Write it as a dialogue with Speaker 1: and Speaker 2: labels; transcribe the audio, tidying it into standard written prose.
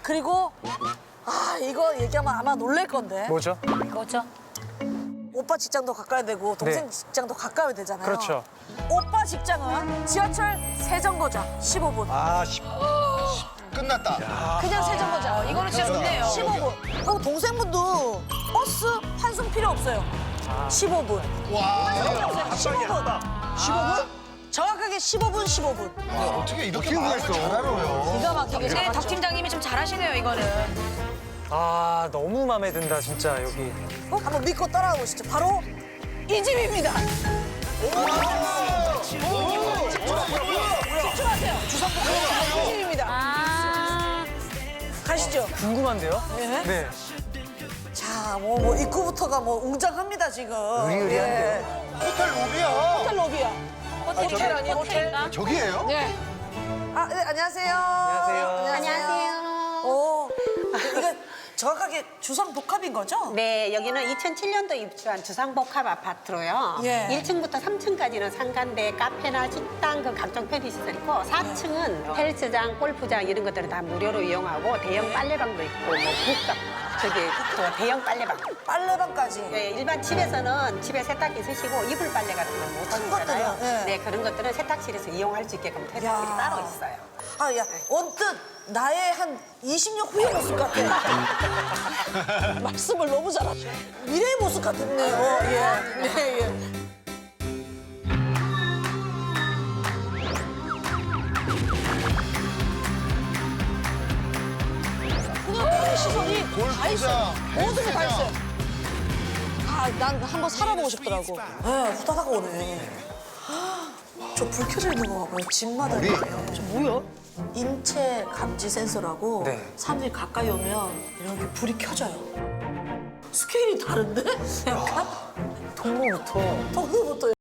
Speaker 1: 그리고 이거 얘기하면 아마 놀랄 건데.
Speaker 2: 뭐죠?
Speaker 3: 뭐죠?
Speaker 1: 오빠 직장도 가까이 되고 동생
Speaker 2: 네.
Speaker 1: 직장도 가까이 되잖아요.
Speaker 2: 그렇죠.
Speaker 1: 오빠 직장은 지하철 세정거장 15분.
Speaker 4: 끝났다.
Speaker 1: 그냥 세정거장.
Speaker 3: 이거는 진짜 좋네요.
Speaker 1: 15분. 그리고 동생분도 버스 환승 필요 없어요. 15분.
Speaker 4: 와.
Speaker 1: 15분. 15분? 정확하게 15분, 15분.
Speaker 4: 어떻게 이렇게 말을 잘 알아요?
Speaker 1: 기가 막히게
Speaker 3: 근데
Speaker 1: 잘
Speaker 3: 덕 팀장님이 좀 잘하시네요, 이거는.
Speaker 2: 아, 너무 마음에 든다, 진짜, 여기.
Speaker 1: 한번 믿고 따라가 보시죠. 바로 이 집입니다. 집중하세요. 주상복합 이 집입니다. 가시죠.
Speaker 2: 궁금한데요?
Speaker 1: 네.
Speaker 2: 네.
Speaker 1: 자, 뭐 입구부터가 뭐 웅장합니다 지금.
Speaker 2: 의리의리한데요?
Speaker 4: 호텔 로비야.
Speaker 1: 호텔 로비야. 호텔 아니에요? 호텔?
Speaker 4: 저기예요?
Speaker 1: 네. 네, 안녕하세요.
Speaker 2: 안녕하세요.
Speaker 1: 오, 이거 정확하게 주상복합인 거죠?
Speaker 5: 네, 여기는 2007년도 입주한 주상복합 아파트로요.
Speaker 1: 예.
Speaker 5: 1층부터 3층까지는 상가인데 카페나 식당, 그 각종 편의시설 있고 4층은 헬스장, 골프장 이런 것들을 다 무료로 이용하고 대형 빨래방도 있고 뭐 국밥, 또 대형 빨래방.
Speaker 1: 빨래방까지.
Speaker 5: 네, 일반 집에서는 집에 세탁기 쓰시고 이불 빨래 같은 거 못 하시잖아요.
Speaker 1: 것들은, 예.
Speaker 5: 네, 그런 것들은 세탁실에서 이용할 수 있게끔 세탁실이
Speaker 1: 야.
Speaker 5: 따로 있어요.
Speaker 1: 야, 언뜻 나의 한 20년 후의 모습 같아. 말씀을 너무 잘하셔. 미래의 모습 같았네요. 예. 네, 예. 그냥 모든 시선이 다 있어요. 모든 게 다 있어요. 난 한번 살아보고 싶더라고. 네, 후다닥 오네. 저 불 켜져 있는 거 봐봐요. 집마다 이렇게. 저 뭐야? 인체 감지 센서라고
Speaker 2: 네.
Speaker 1: 사람들이 가까이 오면 이렇게 불이 켜져요. 스케일이 다른데? 약간? 동물부터